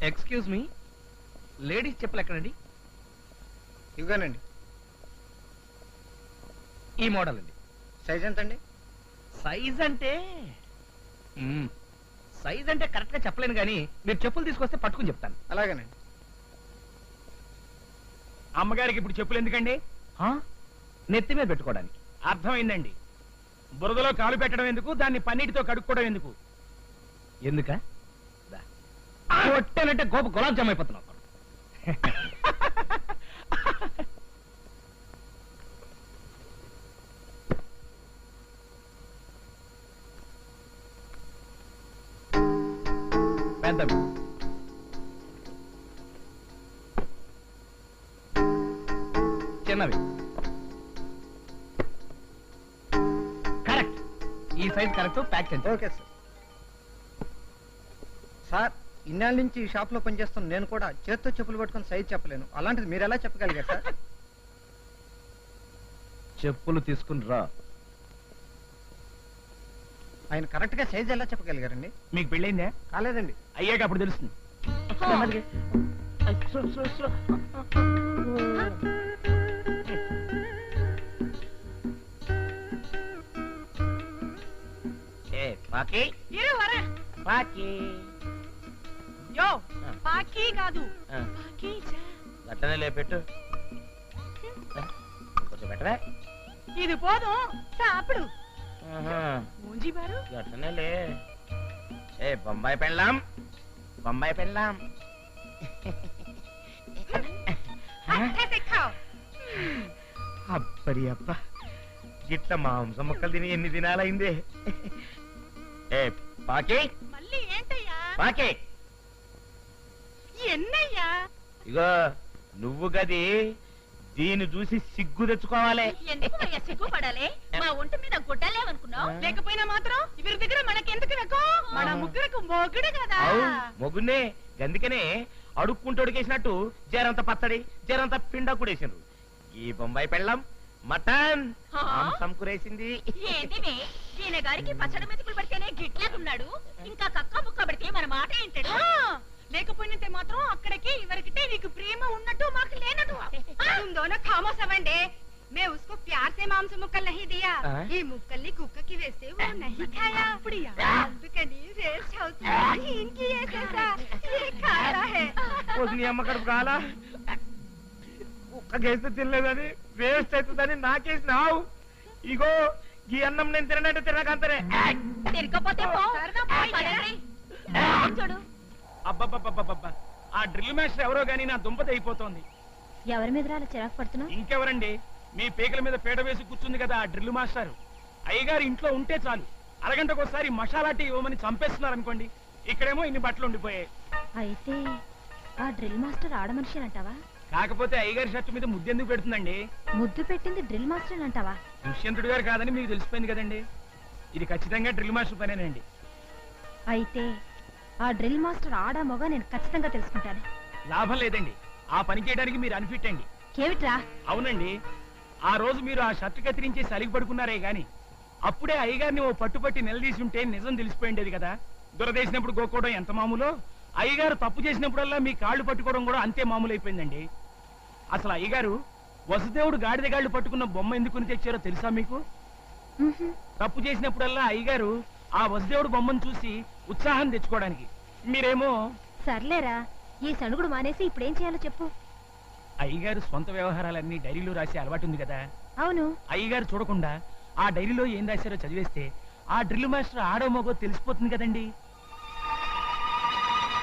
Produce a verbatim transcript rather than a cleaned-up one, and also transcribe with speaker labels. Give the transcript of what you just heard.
Speaker 1: Excuse me, ladies చెప్పులు ఎక్కడండి?
Speaker 2: ఇవ్వగానండి.
Speaker 1: ఈ మోడల్ అండి.
Speaker 2: సైజ్ ఎంత అండి?
Speaker 1: సైజ్ అంటే సైజ్ అంటే కరెక్ట్ గా చెప్పలేను కానీ మీరు చెప్పులు తీసుకొస్తే పట్టుకుని చెప్తాను.
Speaker 2: అలాగేనండి.
Speaker 3: అమ్మగారికి ఇప్పుడు చెప్పులు ఎందుకండి?
Speaker 1: నెత్తి మీద పెట్టుకోవడానికి.
Speaker 3: అర్థమైందండి. బురదలో కాలు పెట్టడం ఎందుకు, దాన్ని పన్నీటితో కడుక్కోవడం ఎందుకు?
Speaker 1: ఎందుక కొట్టానంటే గోప గులాబ్ జామ్ అయిపోతున్నావు. పెద్దవి చిన్నవి కరెక్ట్. ఈ సైజ్ కరెక్ట్. ప్యాక్ చేయండి.
Speaker 2: Okay sir. సార్, ఇన్నాళ్ళ నుంచి ఈ షాప్ లో పనిచేస్తాను నేను కూడా చేత్తో చెప్పులు పట్టుకుని సైజ్ చెప్పలేను. అలాంటిది మీరు ఎలా చెప్పగలిగారు సార్?
Speaker 1: చెప్పులు తీసుకుని రా.
Speaker 2: ఆయన కరెక్ట్ గా సైజ్ ఎలా చెప్పగలిగారండి?
Speaker 3: మీకు పెళ్ళైందే?
Speaker 2: కాలేదండి.
Speaker 3: అయ్యాక అప్పుడు తెలుస్తుంది.
Speaker 1: గట్టనే లేపెట్టు. కొంచెం పెట్టవే.
Speaker 4: ఇది పోదు సాపుడు.
Speaker 1: గట్టనే లే. ఏ బొంబాయి పెళ్ళాం, బొంబాయి పెళ్ళాం. అప్పడి అప్ప, గిట్ల మాంసం ముక్కలు తిని ఎన్ని దినాలైందే. ఏ పాకి,
Speaker 4: మళ్ళీ ఏంటయ్యా?
Speaker 1: పాకి
Speaker 4: ఎన్నయ్యా?
Speaker 1: ఇగో నువ్వు గది దీన్ని చూసి సిగ్గు తెచ్చుకోవాలి.
Speaker 4: ఎందుకు సిగ్గుపడాలి? మా ఒంటి మీద గుడ్డలేమనుకున్నావు? లేకపోయినా మాత్రం ఇవరి దగ్గర మనకెందుకు వెకో? మన ముగ్గురకు మొగుడు కదా.
Speaker 1: మొగునే గందుకనే అడుక్కుంటూ అడిగేసినట్టు జరంత పచ్చడి జరంత పిండ కూడేసిండ్రు. ఈ బొంబాయి పెళ్ళం మటన్ మాంసం కూరేసింది.
Speaker 4: ఏంటివి? ఈయన గారికి పచ్చడి మెతుకులు పడితేనే గిట్లేకున్నాడు, ఇంకా కక్క ముక్క పడితే మన మాట ఏంటాడు? లేకపోయినంతే మాత్రం అక్కడికి ఇవరికితే నీకు ప్రేమ ఉన్నట్టు మాకు లేనట్టు. तुम दोनों खामोश अवंडे, मैं उसको प्यार से मांस मुक्कल नहीं दिया, ये मुक्कली कुక్క की वैसे वो नहीं खाया. అందుకని వేస్ట్ అవుతుంది. इनकी ये कैसा ये खा रहा है.
Speaker 1: నీ అమ్మ కడుపు కాలా? కుక్కకేస్తే తినలేదని వేస్ట్ అవుతుందని నాకేసినావు. ఇగో ఈ అన్నం నేను తిననంటే తినకంతనే.
Speaker 4: తిరగపోతే చూడు.
Speaker 3: అబ్బబ్బబ్బబ్బబ్బా, ఆ డ్రిల్ మాస్టర్ ఎవరో గానీ నా దుంపతి అయిపోతోంది.
Speaker 4: ఎవరి మీద రాలా చిరాకు పడుతున్నావు?
Speaker 3: ఇంకెవరండి, మీ పేకల మీద పీట వేసి కూర్చుంది కదా ఆ డ్రిల్ మాస్టర్. అయ్యగారు ఇంట్లో ఉంటే చాలు అరగంటకోసారి మసాలా టీ ఇవ్వమని చంపేస్తున్నారు అనుకోండి. ఇక్కడేమో ఇన్ని బట్టలు ఉండిపోయాయి.
Speaker 4: అయితే ఆ డ్రిల్ మాస్టర్ ఆడ మనిషి అంటావా?
Speaker 3: కాకపోతే అయ్యగారి షర్టు మీద ముద్దెందుకు పెడుతుందండి?
Speaker 4: ముద్దు పెట్టింది డ్రిల్ మాస్టర్ అంటావా?
Speaker 3: దుష్యంతుడు గారు కాదని మీకు తెలిసిపోయింది కదండి. ఇది ఖచ్చితంగా డ్రిల్ మాస్టర్ పనేనండి.
Speaker 4: అయితే ఆ డ్రిల్ మాస్టర్ ఆడా మొగ నేను ఖచ్చితంగా తెలుసుకుంటాను.
Speaker 3: లాభం లేదండి, ఆ పని చేయడానికి మీరు అన్ఫిట్ అండి.
Speaker 4: కేవిట్రా?
Speaker 3: అవునండి, ఆ రోజు మీరు ఆ షర్ట్ కత్తిరించి సలిగి పడుకున్నారే గాని అప్పుడే అయ్యగారిని ఓ పట్టుపట్టి నిలదీసి ఉంటే నిజం తెలిసిపోయిండేది కదా. దురదేసినప్పుడు గోక్కోవడం ఎంత మామూలో, అయ్యగారు తప్పు చేసినప్పుడల్లా మీ కాళ్ళు పట్టుకోవడం కూడా అంతే మామూలు అయిపోయిందండి. అసలు అయ్యగారు వసుదేవుడు గాడిద గాళ్ళు పట్టుకున్న బొమ్మ ఎందుకుని తెచ్చారో తెలుసా మీకు? తప్పు చేసినప్పుడల్లా అయ్యగారు ఆ వసుదేవుడు బొమ్మను చూసి ఉత్సాహం తెచ్చుకోవడానికి. మీరేమో
Speaker 4: సర్లేరా, ఈ సణుగుడు మానేసి ఇప్పుడేం చేయాలో చెప్పు.
Speaker 3: అయ్యగారు సొంత వ్యవహారాలన్నీ డైరీలో రాసే అలవాటు ఉంది కదా.
Speaker 4: అవును.
Speaker 3: అయ్యగారు చూడకుండా ఆ డైరీలో ఏం రాశారో చదివేస్తే ఆ డ్రిల్ మాస్టర్ ఆడో మగో తెలిసిపోతుంది కదండి.